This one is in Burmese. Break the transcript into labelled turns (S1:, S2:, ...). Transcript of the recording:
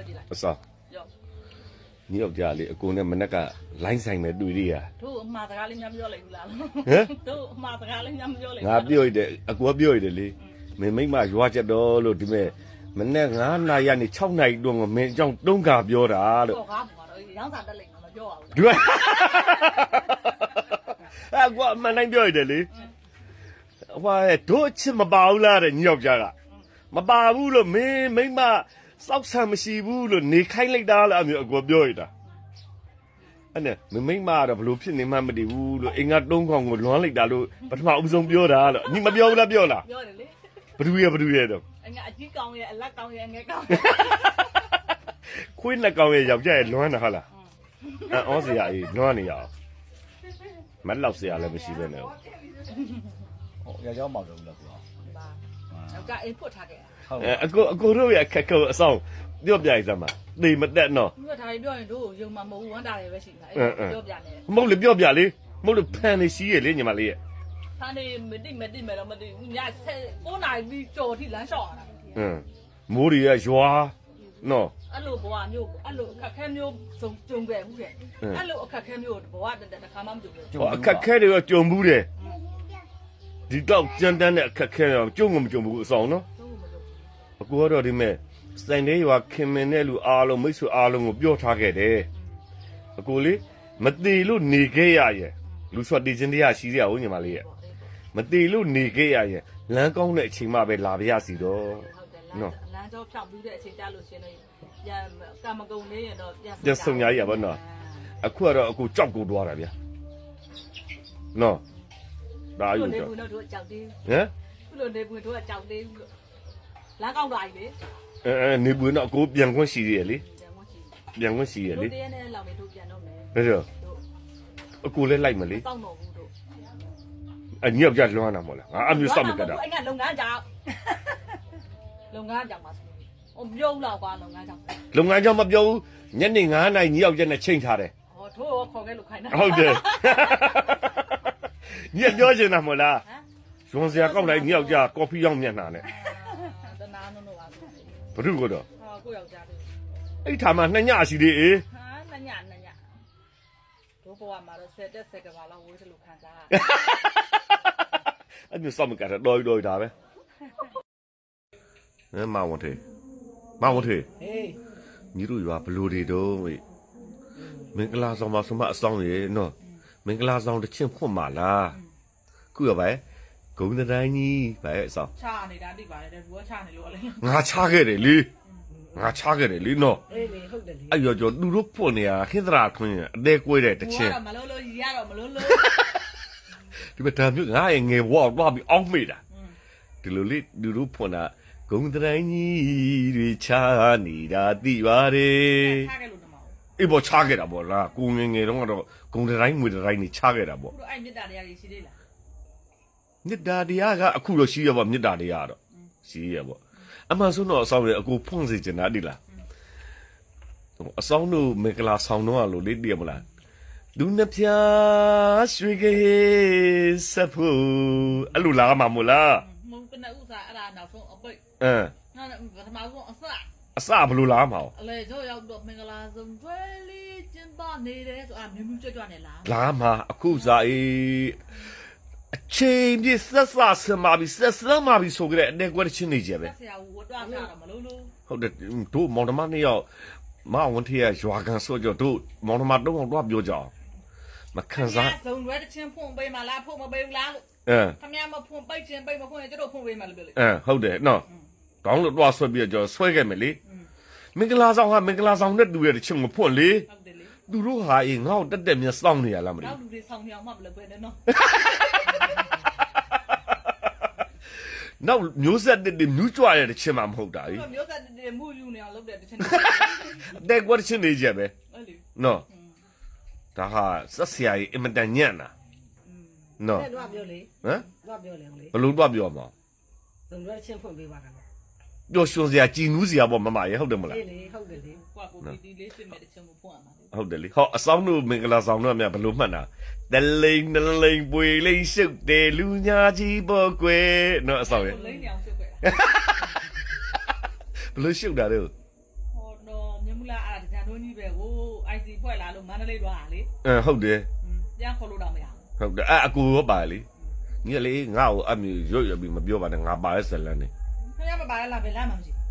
S1: sao nhiều giờ thì cô này mình đã cả lánh xanh này đuổi đi à
S2: thu mà ta lên nhâm vô lại là
S1: hả
S2: thu mà ta lên nhâm vô lại
S1: ngã biôi để cô biôi để đi mình mấy mà qua chợ đó rồi thì mình này ngã này anh trong này đường mà mình trong đông gặp vô đã được đúng à mà anh biôi để đi qua tôi chỉ mà bảo là để nhiều giờ à mà bảo vu rồi mấy mà sóc sang mà xì vu rồi nị khai lấy đá là mình qua biôi đó anh nè mấy mà đó lúc xin mà đi vu rồi anh ngắt đông không một loáng lấy đá rồi bắt mà ông dùng biôi đó nhưng mà biôi là bắt đuôi đâu
S2: anh ngại chỉ con vậy anh lắc con vậy anh nghe con
S1: khuyên là con vậy dọc chơi loáng là hả là ở gì vậy loáng này à mắt lọc gì à là mới xí bên nào
S3: giờ gió màu được
S2: cái phụ thạc
S1: côรู้vậy cái câu xong điệp dài ra mà đi mất đạn nó
S2: người thầy đưa này đủ nhưng mà mù hắn đại về xịn này điệp dài này
S1: mốc được điệp dài đi mốc được pan đi xí vậy nhưng mà đi
S2: pan đi mình đi mà đi nhà xe cô này đi chỗ thì lái sọ
S1: mù đi à gió nó
S2: anh lụa bỏ nhiều anh lụa khắc khen nhiều dùng trồng về cũng vậy anh lụa khắc khen nhiều bỏ để khám âm dùng
S1: khắc khen được trồng mù đấy đi đâu chân đan này khắc khen là trồng mù xong nó cô đó đi mẹ sáng nayว่าခင်မင်းနဲ့လူအားလုံးမိတ်ဆွေအားလုံးကိုပြောထားခဲ့တယ်အကိုလေးမတီလို့နေခဲ့ရရဲ့လူဆွတ်တီချင်းတရားရှိရအောင်ညီမလေးရဲ့မတီလို့နေခဲ့ရရဲ့လမ်းကောင်းတဲ့အချိန်မှပဲလာပြရစီတော့နော်
S2: လမ်းကြောဖြောက်ပြီးတဲ့အချိန်ကြလို့ရှင်လို့ပြန်ကာမဂုဏ်လေးရတော့
S1: ပြန်ဆုံရရပါနော်အခုကတော့အကိုကြောက်ကိုတွားတာဗျာနော်ဒါယူကြောက်
S2: ဘူးတို့ကြောက်သေး
S1: ဟမ်
S2: ခုလိုနေဘူးတို့ကြောက်သေးဘူးလမ်းကောင်းတာကြီးလေ
S1: နေဘူးတော့အကိုပြန်ခွင့်ရှိရလေပြန်ခွင့်ရှိရလေ
S2: တို့တင်းနဲ့လောက်နေတို့ပြန်တော့မယ်
S1: ဒါကြောအကိုလည်းလိုက်မလေ
S2: စောင့်တော့ဘူးတို့
S1: အညောက်ကြလွမ်းတာမဟုတ်လားငါအမျိုးစောင့်မကတာ
S2: အဲ့ကလုပ်ငန်းကြောင်ပါဆိုပြုံးတော့ကွာလုပ်ငန်းကြောင်
S1: မပြောဘူးညနေ9 နာရီညောက်ချက်နဲ့ချိန်ထားတယ်
S2: ဟောထိုးခေါ်ခဲ့လို့ခိုင်းတာ
S1: ဟုတ်တယ်ညပြောချင်တာမဟုတ်လားဇွန်စရာကောက်လိုက်ညောက်ကြကော်ဖီရောက်မျက်နှာနဲ့
S2: တနာနုံတော့ပါ
S1: ဘုရုကတော့
S2: ကိုယောက်ျားလေး
S1: အဲ့ထားမှာ2ညရှိသေးအေး
S2: 2ညတို့ဘဝမှာတော့10တက်10ကဘာလောက်ဝေးတယ်လို့ခံစား
S1: အဲ့မျိုးစောင့်မကတာတော်တာပဲမောင်ထေဟေးညီတို့ရွာဘလူတွေတော့ဝေးမင်္ဂလာဆောင်မှာဆိုမှအဆောင်ရေနော်မင်္ဂလာဆောင်တစ်ချင်းဖွင့်ပါလားခုရပါဂုံတိုင်းကြီးပဲအဆောင်
S2: ချနေတာတိပါတယ်တဲ့ဘူးကချနေလို့လေ
S1: ငါချခဲ့တယ်လေနော်
S2: အေးလေဟုတ်တယ်လေ
S1: အဲ့ရောသူတို့ဖွင့်နေတာခိသရာခွင်းအသေးကွေးတဲ့တချင်း
S2: မလို့ရတော့မလို့
S1: ဒီမှာဒါမျိုးငါရဲ့ငယ်ဘွားတော့ပြီးအောင်းမိတာဒီလိုလေသူတို့ဖွင့်တာဂုံတိုင်းကြီးတွေချနေတာသိပါတယ်
S2: ချခဲ့လို့တမအောင်
S1: အေးပေါ်ချခဲ့တာပေါ့လားကိုငယ်တော့ကတော့ဂုံတိုင်းငွေတိုင်းနေချခဲ့တာပေါ့
S2: တို့အဲ့မြစ်တာတရားကြီးရှိသေးလား
S1: မြစ်တာတရားကအခုတော့ရှိရပါမြစ်တာတရားတော့ရှိရပေါ့အမှန်ဆုံးတော့အဆောင်ရအကိုဖွင့်စေချင်တာဒီလားအဆောင်တို့မင်္ဂလာဆောင်တော့လို့လေတည်မလားလူနှဖျားရွှေကေစဖို့အလူလာမှာမလား
S2: မုန်းကနဥစားအဲ့ဒါနောက်ဆုံးအပိတ်နောက်ပထမဆုံး
S1: အစဘလူလာမှာ
S2: အလေတို့ရောက်တော့မင်္ဂလာဆုံးကျွဲလေးကျင်းပနေတယ်ဆိုမြင်းကြွနေလား
S1: လာမှာအခုစားအေးအချိန်ပြည့်ဆက်ဆံမှာပြီဆိုကြတဲ့အတဲ့ကွက်ချင်းနေကြပဲ
S2: ဆရာဝတ်တော့တာမလို့
S1: ဟုတ်တယ်တို့မောင်နှမနှစ်ယောက်မဝန်ထရရွာကန်ဆိုကြတို့မောင်နှမတော့တော့ပြောကြအောင်မခံစား
S2: ဇုံရွယ်တချင်းဖွင့်ပေးမလားဖွင့်မပေးဘူးလားလို့ခမရမဖွင့်ပိတ်ချင်းပိတ်မဖွင့်ရင်ကျတို့ဖွင့်ပေးမှလို့ပြောလေ
S1: ဟုတ်တယ်နော်တောင်းလို့တော့ဆွဲပြီးတော့ဆွဲခဲ့မယ်လေမင်္ဂလာဆောင်နဲ့တူရဲ့တချင်းမဖွင့်လေ
S2: ဟုတ်တယ်လေ
S1: သူတို့ဟာအေးငါ့ကိုတက်မြတ်စောင့်နေရလားမသိ
S2: ဘူးလူတွေဆောင်နေအောင်မှမလုပ်ပဲနဲ့နော်
S1: နောက်မျိုးဆက်တဲ့မြူးကြွရတဲ့ချင်းမှမဟုတ်တာကြီး
S2: မျိုးဆက်တဲ့မူယူနေအောင်လုပ်တဲ့တချင်း
S1: တဲ့ကွက်ချင်းနေကြပဲနော်ဒါဟာဆက်ဆရာကြီးအင်မတန်ညံ့တာနော်
S2: တော့ပြောလေ
S1: ဟမ်
S2: တော့ပြောလေ
S1: ဘလို့တော့ပြောမှာ
S2: ဇုံရွယ်ချင်းဖွင့်ပေးပါကနော်
S1: ပျော်ရွှင်စရာကြည်နူးစရာပေါ့မမရေဟုတ်တယ်မလား
S2: လေဟုတ်တယ်လေကွာကိုတီလေးဖြစ်မဲ့တချင်းကိုဖွင့်ရမှာ
S1: ဟုတ်တယ်လေဟောအဆောင်တို့မင်္ဂလာဆောင်တို့အမြဘလို့မှတ်တာတလိန်ပွေလိန်ရှုပ်တယ်လူညာကြီးပေါ့ကွယ်နော်အဆောင်ရဲ့
S2: လိန်နေအောင်ရှုပ်ခဲ့
S1: ဘလို့ရှုပ်တာတော့
S2: ဟောတော့တို့ကြီးပဲကို IC ဖွဲ့လာလို့မန္တလေးသွားတာလေ
S1: ဟုတ်တယ်
S2: ပြန်ခေါ်လို့တော့မရ
S1: ဟုတ်တယ်အကူရောပါလေညီလေငါ့ကိုအမျိုးရွတ်ရပြီးမပြောပါနဲ့ငါပါရဲ့ဇလန်နေ
S2: ခင်ဗျားမပါရလားဘယ်လမ်းမှမရှိ